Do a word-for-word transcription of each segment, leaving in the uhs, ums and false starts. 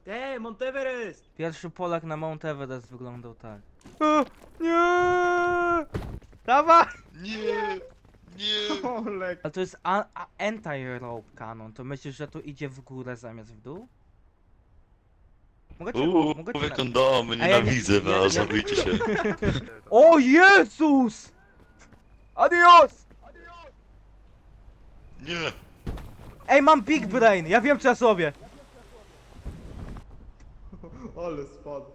Ej, Monteverest! Pierwszy Polak na Mount Everest wyglądał tak. O, nie! Dawaj! Nie! Nie! Olek. Ale to jest a- a- anti-rope cannon. To myślisz, że tu idzie w górę zamiast w dół? Mogę cię, Uuu, mogę cię mówię na... kondomy, A ja nie- nienawidzę ja- was, ja- zabijcie się. O Jezus! Adios! Nie! Ej, mam big brain! Ja wiem co ja sobie! Ale spadł.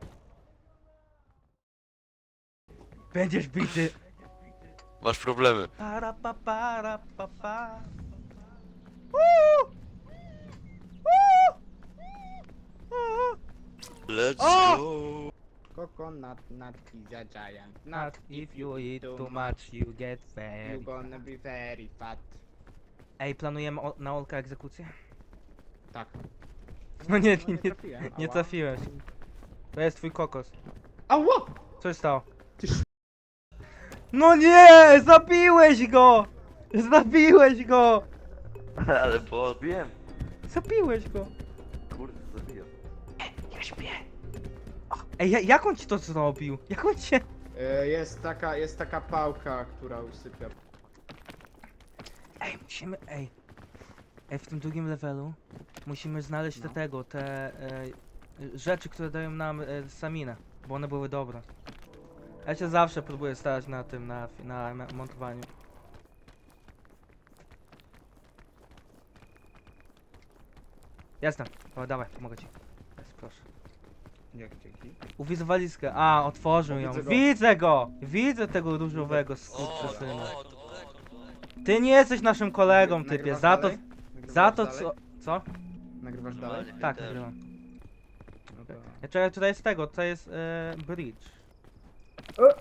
Będziesz bity. Masz problemy. Para pa para pa pa. Uuu! Uuu! Uuu! Let's O! go! Coconut nut is a giant Not nut. if you eat too much, you get fat. You gonna be very fat. Ej, planujemy o, na Olka egzekucję? Tak. No nie, No nie, trafiłem. nie Ała. trafiłeś. To jest twój kokos. Ała! Co się stało? Ty sz... No nie! Zabiłeś go! Zabiłeś go! Ale podbiłem. Zabiłeś go! Kurde, zabiłem. Ja śpię! O, ej, ja, jak on ci to zrobił? Jak on cię... E, jest taka, jest taka pałka, która usypia. Ej, musimy, ej. Ej, w tym drugim levelu musimy znaleźć te No. tego, te e, rzeczy, które dają nam e, staminę, bo one były dobre. Ja się zawsze próbuję starać na tym, na, na, na montowaniu. Jestem. O, dawaj, pomogę ci. Jest, proszę. Jak dzięki. Uwidzę walizkę. A, otworzył ją. Widzę go. Widzę go! Widzę tego różowego O, skurczysyna. o, to daleko, to daleko. Ty nie jesteś naszym kolegą, Nagrywasz typie. Za to, dalej? Nagrywasz za to dalej? co... Co? Nagrywasz dalej? Normalnie. Tak, też. nagrywam. No to... Ja czekaj, tutaj jest tego, to jest e, bridge. O!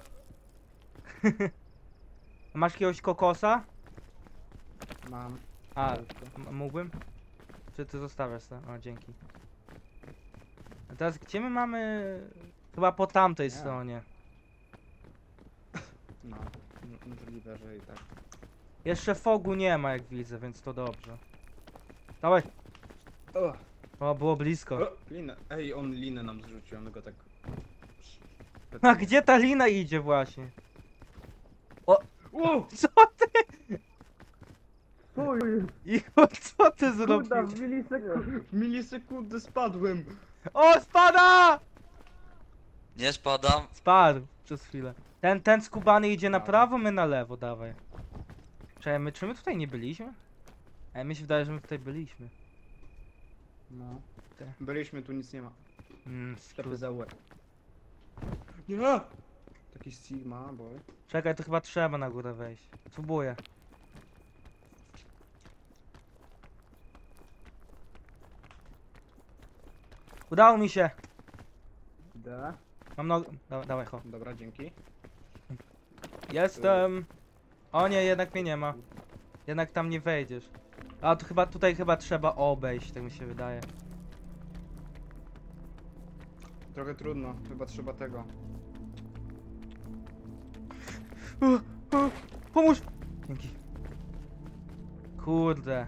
Masz jakiegoś kokosa? Mam. A, Wszystko. m- mógłbym? Czy ty zostawiasz to? O, dzięki. A teraz gdzie my mamy... Chyba po tamtej Nie. stronie. No. M- Możliwe, że i tak. Jeszcze fogu nie ma jak widzę, więc to dobrze. Dawaj! O! O, było blisko. O! Linę. Ej, on linę nam zrzucił, on go tak... A gdzie ta lina idzie właśnie? Wow! Co ty? Icho, co ty zrobił? Kurda, w milisekundę, w milisekundę spadłem! O, spada! Nie spadam. Spadł przez chwilę. Ten, ten skubany idzie na Dobra. prawo, my na lewo, dawaj. Czekaj, my, czy my tutaj nie byliśmy? Ej, mi się wydaje, że my tutaj byliśmy. No. Ty. Byliśmy, tu nic nie ma. Mm, Ślepy skur- za łeb. Nie! Taki Sigma, boy. Czekaj, to chyba trzeba na górę wejść. Spróbuję. Udało mi się! Da. Mam nogę. Da, dawaj, ho. Dobra, dzięki. Jestem! O nie, jednak mnie nie ma. Jednak tam nie wejdziesz. A to chyba, tutaj chyba trzeba obejść, tak mi się wydaje. Trochę trudno, chyba trzeba tego. O, o, pomóż! Dzięki. Kurde.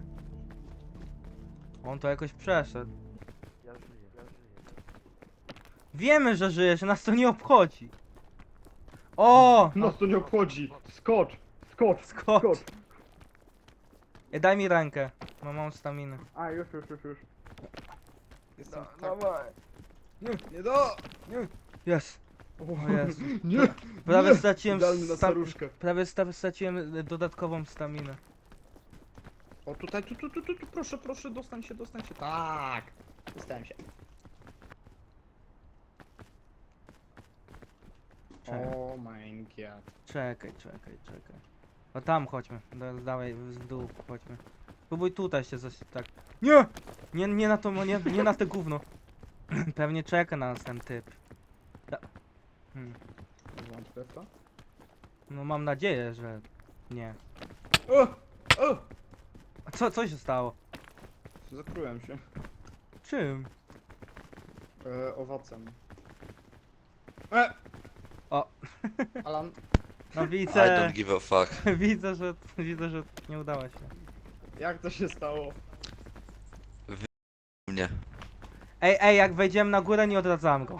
On to jakoś przeszedł. Ja żyję, ja żyję. Wiemy, że żyjesz, nas to nie obchodzi. O! Nas to nie obchodzi! Skocz! Skocz! Skocz! Ej, daj mi rękę. Mam małą staminę. A, już, już, już, już. Jestem tak... Dawaj. Nie do! Jest. O Jezu. Nie! Prawie nie! straciłem Idealny na sta- staruszkę. Prawie sta- straciłem y, dodatkową staminę. O, tutaj, tu, tu, tu, tu, tu, proszę, proszę, dostań się, dostań się. Tak! Dostałem się. Czekaj, O my god. czekaj, czekaj, czekaj. No tam chodźmy. Da, dawaj, w dół chodźmy. Próbuj tutaj się coś tak. Nie! Nie, nie na to, nie, nie na te gówno. Pewnie czeka na nas ten typ. Da. Hmm. Włączę w to. No mam nadzieję, że nie. O! O! A co, co się stało? Zatrułem się. Czym? E, owocem. E! O. Alan. No I widzę, don't give a fuck. widzę, że, widzę, że nie udało się. Jak to się stało? Mnie. Ej, ej, jak wejdziemy na górę, nie odradzam go.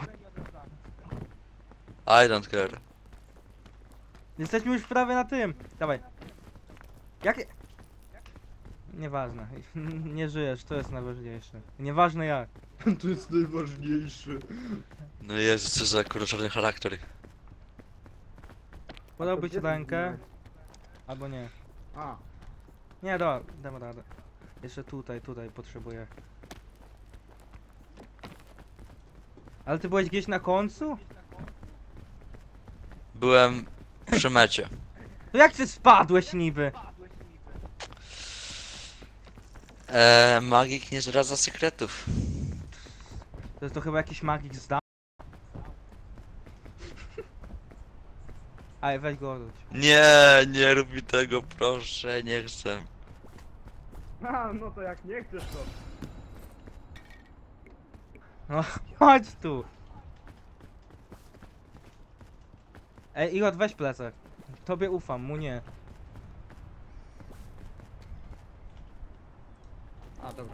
I don't care. Jesteśmy już prawie na tym. Dawaj. Jakie... Nieważne. Nie żyjesz, to jest najważniejsze. Nieważne jak. To jest najważniejsze. No Jezu, co za kurczony charakter. Podałby ci rękę. Albo nie. A, Nie, do, dam radę. Jeszcze tutaj, tutaj potrzebuję. Ale ty byłeś gdzieś na końcu? Byłem przy mecie. To jak ty spadłeś niby? Eee, magik nie zdradza sekretów. To jest to chyba jakiś magik zda. Aj, weź go odwróć. Nie, nie rób mi tego, proszę, nie chcę. a, no to jak nie chcesz to. No, chodź tu. Ej, Igor, weź plecak. Tobie ufam, mu nie. A, dobra.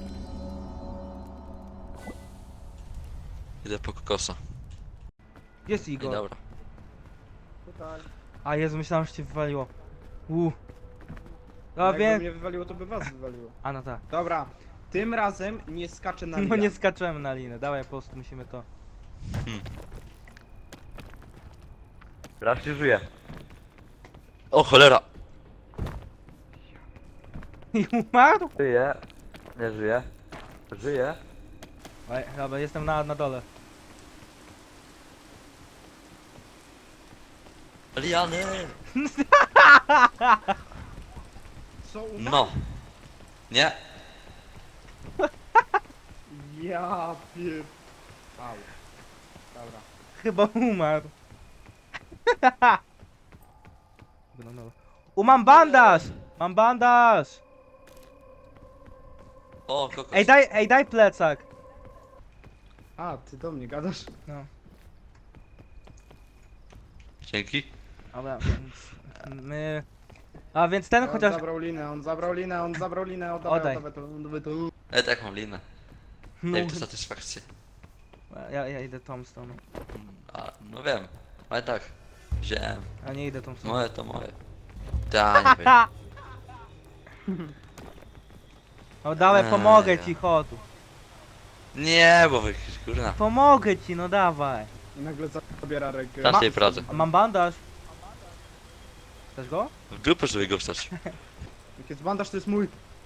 Idę po kokosa. Gdzie jest I Igor? dobra. Tutaj. A Jezu, myślałem, że cię wywaliło. Uuu. No Jakby wiem. mnie wywaliło, to by was wywaliło. A no tak. Dobra, tym razem nie skaczę na No linę. nie skaczemy na linę, dawaj po prostu musimy to. Raz nie żyje. O cholera! I umarł? Żyje. Nie żyje. Żyje. Ej, dobra, jestem na, na dole. Liany! Co umarł? No. Nie. Ja pier... Au. Dobra. Chyba umarł. No, no. U, mam bandaż! Mam bandaż! O, kokos. Ej, daj, ej, daj plecak. A, ty do mnie gadasz? No. Dzięki. Dobra, więc my... A więc ten On chociaż... zabrał linę, on zabrał linę, on zabrał linę, oddawaj, Oddaj. oddawaj to, oddawaj to. E, tak mam linę. No, Daj mi to satysfakcję. ja, ja idę tą stroną. A, no wiem. Ale tak. Wziąłem. A nie idę tą stroną. Moje to moje. Ta, nie wiem. No dawaj, Eee, pomogę ja. ci, chodu. Nie, bo wy kurna. Pomogę ci, no dawaj. I nagle zabiera rękę. Na tej pracy. A mam bandaż. Chcesz go? W dupę żeby go wstać. Jak jest bandaż, to jest mój.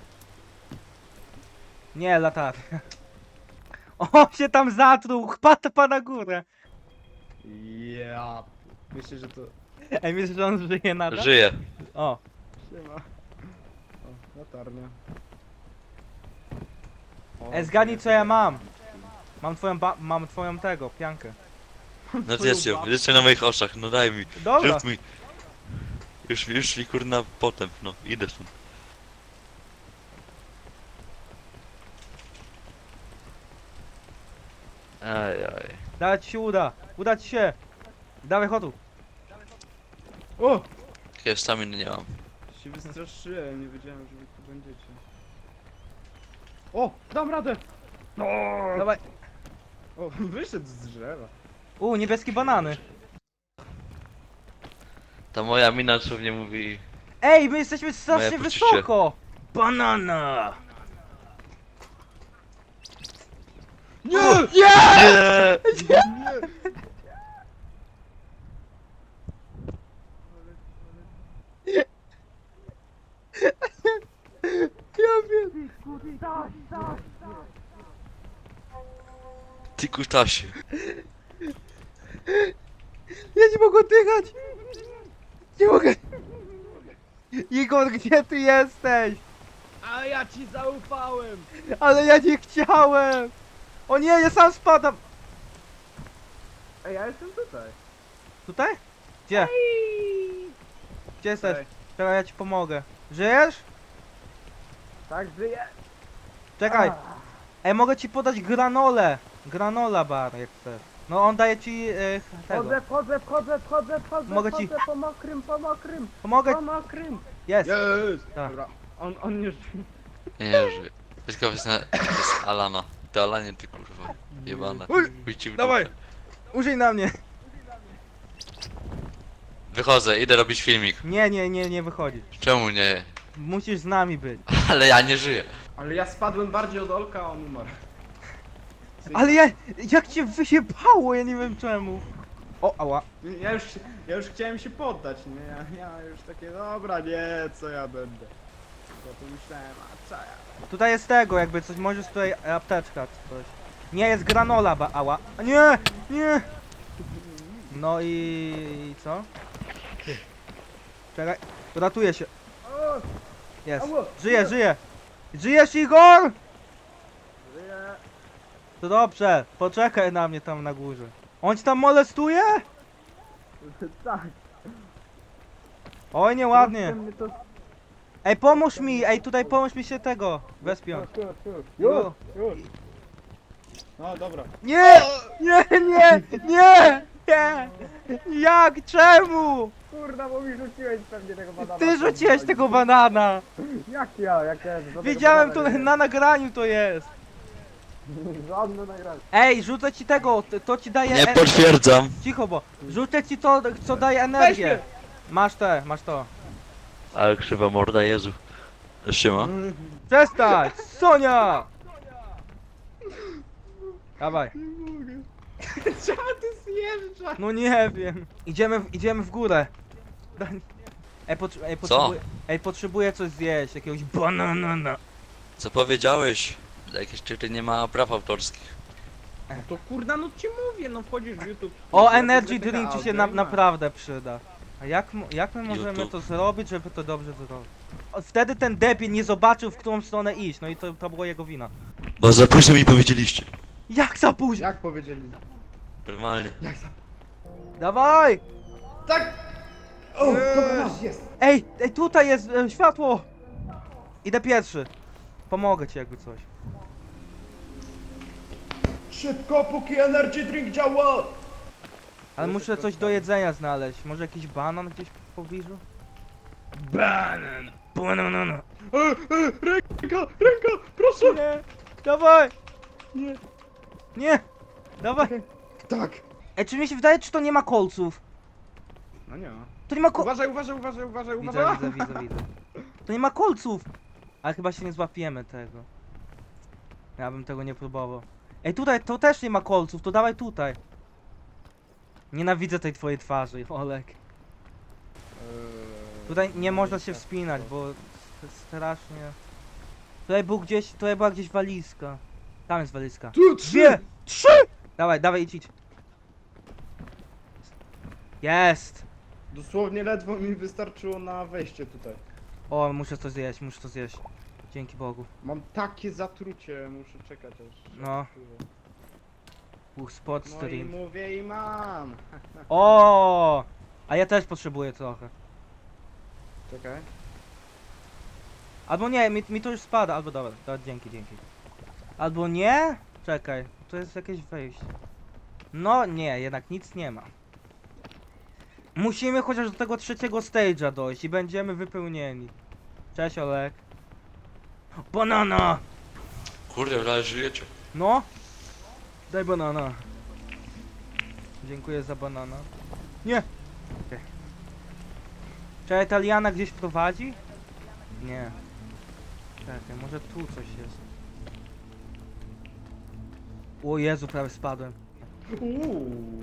Nie, latarnia. O, się tam zatruł, chpata na górę. Ja. Myślę, że to... Ej, myślisz, że on żyje nadal? Żyje. O, Siema. O, latarnia. O, ej, zgadnij co ja mam. Mam twoją ba mam twoją tego, piankę. No zjedz ją, zjedz ją na moich oczach, no daj mi. Dobra. Rób mi. Już, już mi kurna potem, no idę stąd. Aj, aj. Dawaj ci się uda. Uda ci się. Dawaj, chodu. O! Jakiej staminy nie mam. Się wystraszyłem, nie wiedziałem, że wy tu będziecie. O! Dam radę! No! Dawaj. O, wyszedł z drzewa. U, niebieskie banany. Ta moja mina co mnie mówi. Ej, my jesteśmy strasznie Moje poczucie. wysoko. Banana. Nie! Nie! Nie! Ja wiem. Ty kutasie. Ja nie mogę oddychać. Nie mogę. Igor, gdzie ty jesteś? A ja ci zaufałem! Ale ja nie chciałem. O nie, ja sam spadam. Ej, ja jestem tutaj. Tutaj? Gdzie? Gdzie jesteś? Ej, Czekaj, ja ci pomogę. Żyjesz? tak żyję. Czekaj. Ej, mogę ci podać granolę. Granola bar, jak chcesz. No on daje ci e, tego. Wchodzę, wchodzę, wchodzę, wchodzę, wchodzę, Mogę ci- wchodzę po mokrym, po mokrym, Pomogę. po mokrym. Jest. Jest! Tak. Dobra. On, on już... Nie żyje. Tylko jest, na, jest Alana. Talanie ty kurwa. Jebana. Uj, Chuj ci w dawaj. dupę. Użyj na mnie. Wychodzę, idę robić filmik. Nie, nie, nie, nie wychodzi. Czemu nie? Musisz z nami być. Ale ja nie żyję. Ale ja spadłem bardziej od Olka, a on umarł. Ale ja, jak cię wyjebało, ja nie wiem czemu. O, ała. Ja już, ja już chciałem się poddać, nie? Ja, ja już takie, dobra, nie, co ja będę. Potem myślałem, a co ja? Tutaj jest tego, jakby coś, możesz tutaj apteczka czy coś. Nie, jest granola, ba, ała. A nie, nie. No i, i co? Czekaj, ratuję się. O, Jest, Ała. żyję, żyję. Żyjesz, Igor? żyję. To dobrze, poczekaj na mnie tam na górze. On ci tam molestuje? Tak. Oj, nieładnie. Mnie to... Ej, pomóż mi, ej, tutaj pomóż mi się tego wespiąć. Już, już, już. Już. No dobra. Nie! Nie, nie, nie, nie! Jak, czemu? Kurna, bo mi rzuciłeś pewnie tego banana. Ty rzuciłeś tego banana! Jak ja, jak ja? żadnego Wiedziałem, to banana nie na nagraniu to jest. jest. Żadne nagranie. Ej, rzucę ci tego, to, to ci daje... Nie e- potwierdzam. Cicho, bo rzucę ci to, co daje energię. Masz te, masz to. Ale krzywa morda, Jezu. Siema. Przestań! Sonia! Dawaj. Nie mogę. Czemu ty zjeżdżasz? No nie wiem. Idziemy, w- idziemy w górę. Da- Ej, potr- ej, potrzebuję, ej, potrzebuję coś zjeść, jakiegoś banana. Co powiedziałeś? Jakieś czyty nie ma praw autorskich. No to kurna, no ci mówię, no wchodzisz w YouTube. O, Ja energy sobie drink ci taka się na, audio i masz. naprawdę przyda. A jak, mo- jak my możemy YouTube. to zrobić, żeby to dobrze zrobić? O, wtedy ten debil nie zobaczył, w którą stronę iść, no i to, to było jego wina. Bo za późno mi powiedzieliście. Jak za późno? Jak powiedzieli? Normalnie. Dawaj! Tak! O, dobra, masz, jest! Ej, ej, tutaj jest e, światło! Idę pierwszy. Pomogę ci jakby coś. Szybko, póki energy drink działa! Ale muszę coś do jedzenia znaleźć. Może jakiś banan gdzieś w pobliżu? Banan! Banana. E, e, ręka, ręka, proszę! Nie! Dawaj! Nie. Nie! Dawaj! Tak! Ej, czy mi się wydaje, czy to nie ma kolców? No nie ma. To nie ma ko... Uważaj, uważaj, uważaj, uważaj, Widzę, uważaj! widzę, widzę, widzę. To nie ma kolców! Ale chyba się nie złapiemy tego. Ja bym tego nie próbował. Ej, tutaj to też nie ma kolców, to dawaj tutaj. Nienawidzę tej twojej twarzy, Olek. Eee, Tutaj nie można się wspinać, bo s- strasznie... Tutaj był gdzieś, tutaj była gdzieś walizka. Tam jest walizka. Tu trzy! Dwie! Trzy! Dawaj, dawaj, idź, idź. Jest! Dosłownie ledwo mi wystarczyło na wejście tutaj. O, muszę to zjeść, muszę to zjeść. Dzięki Bogu. Mam takie zatrucie, muszę czekać aż... No. Uch, spot No i stream. mówię i mam! O! A ja też potrzebuję trochę. Czekaj. Albo nie, mi, mi to już spada, albo dobra, to dzięki, dzięki. Albo nie? Czekaj, to jest jakieś wejście. No nie, jednak nic nie ma. Musimy chociaż do tego trzeciego stage'a dojść i będziemy wypełnieni. Cześć Olek. Banana! Kurde, ale żyjecie. No? Daj banana. Dziękuję za banana. Nie! Okay. Czy Italiana gdzieś prowadzi? Nie. Czekaj, może tu coś jest. O Jezu, prawie spadłem. Uuu.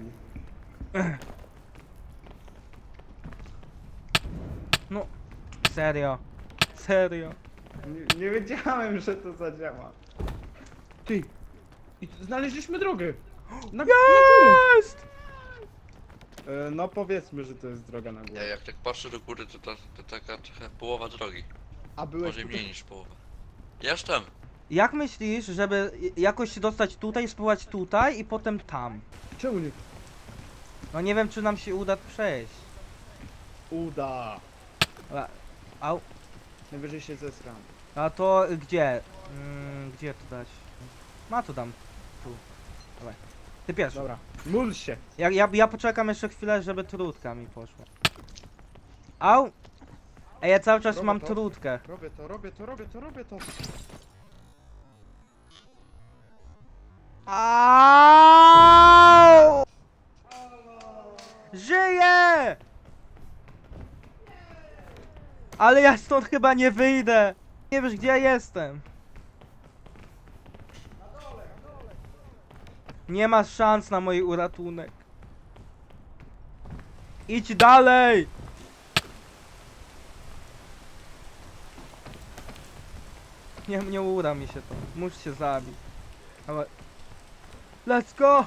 No, serio. Serio. Nie, nie wiedziałem, że to zadziała. Ty! I znaleźliśmy drogę! Na, na górę! Jest! E, no powiedzmy, że to jest droga na Ja górę. jak tak patrzę do góry, to, to, to taka trochę połowa drogi. A byłeś Może tutaj... mniej niż połowa. Jestem. Jak myślisz, żeby jakoś się dostać tutaj, spróbować tutaj i potem tam? Czemu nie? No nie wiem, czy nam się uda przejść. Uda! Dobra. Au. Najwyżej się zesram. A to gdzie? Mm, gdzie to dać? Ma to dam. Tu. Dawaj. Ty pierwszy. Dobra. Módl się! Ja, ja, ja poczekam jeszcze chwilę, żeby trudka mi poszła. Au! Ej, ja cały czas Robię mam to. trudkę. Robię to, robię to, robię to, robię to! Aaaa! Żyję! Ale ja stąd chyba nie wyjdę. Nie wiesz gdzie ja jestem. Nie masz szans na mój uratunek. Idź dalej! Nie, nie uda mi się to. Muszę się zabić. Ale... Let's go!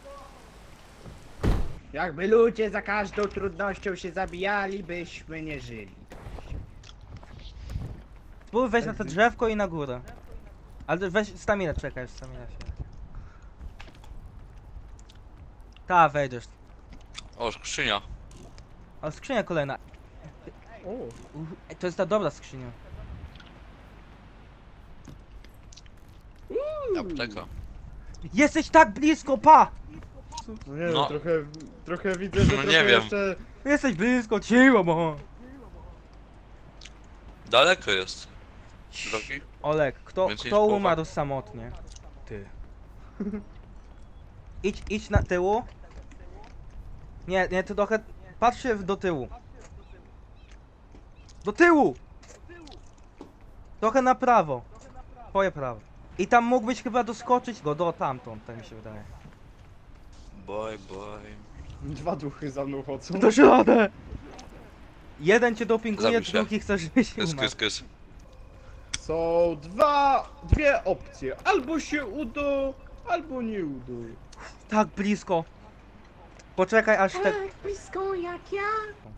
Jakby ludzie za każdą trudnością się zabijali, byśmy nie żyli. Spróbuj wejść na to drzewko i na górę. Ale weź staminę, czekaj, stamina się. Ta, wejdziesz. O, skrzynia. A skrzynia kolejna. O, Uch, ej, to jest ta dobra skrzynia. Apteka. Jesteś tak blisko, pa! no nie No. no. trochę, trochę widzę, że No nie trochę wiem. jeszcze... Jesteś blisko, cicho, bo. Daleko jest. Drogi? Olek, kto, Więcej kto niż połowa. umarł samotnie? Ty. Idź, idź na tyłu. Nie, nie, ty trochę... Patrz się w- do tyłu. Do tyłu! Trochę na prawo. Twoje prawo. I tam mógłbyś chyba doskoczyć go do tamtąd, tak mi się wydaje. Bye, bye. Dwa duchy za mną chodzą. Do środę! Jeden cię dopinguje, Zabij się. drugi chce, żebyś Kys, umarł. kys, kys. Są dwa, dwie opcje. Albo się uda, albo nie uda. Tak blisko. Poczekaj aż te... blisko jak ja.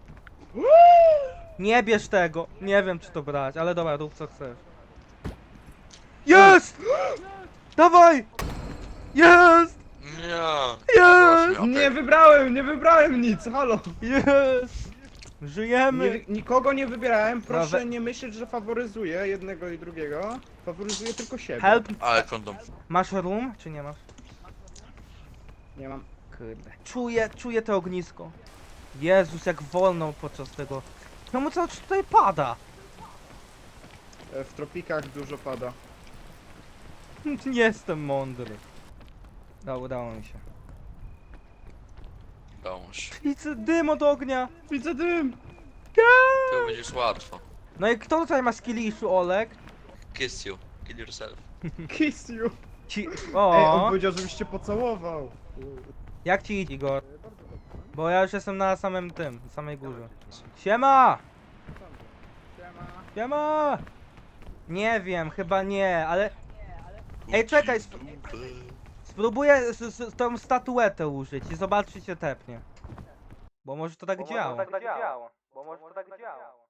Nie bierz tego. Nie wiem czy to brać, ale dobra, rób co chcesz. Jest! Dawaj! Jest! Nie. Jest! Nie wybrałem, nie wybrałem nic, halo. Jest! Żyjemy! Nie, nikogo nie wybierałem, proszę Nawet- nie myśleć, że faworyzuję jednego i drugiego. Faworyzuję tylko siebie. Help! Ale kondom. Masz room, czy nie masz? Nie mam. Kurde. Czuję, czuję to ognisko. Jezus, jak wolno podczas tego. Czemu cały czas tutaj pada? E, W tropikach dużo pada. Nie jestem mądry. No, udało mi się. Dąż. Widzę dym od ognia. Widzę dym! To będziesz łatwo. No i kto tutaj ma skilliszu, Olek? Kiss you. Kill yourself. Kiss you! Ci... Ej, on O, powiedział, żebyś cię pocałował. jak ci idzie, Igor? Bo ja już jestem na samym tym, na samej górze. Siema! Siema! Nie wiem, chyba nie, ale Ej, czekaj, sp- spróbuję z, z, tą statuetę użyć i zobaczyć, czy się tepnie. Bo może to tak działa. Bo może to tak działa.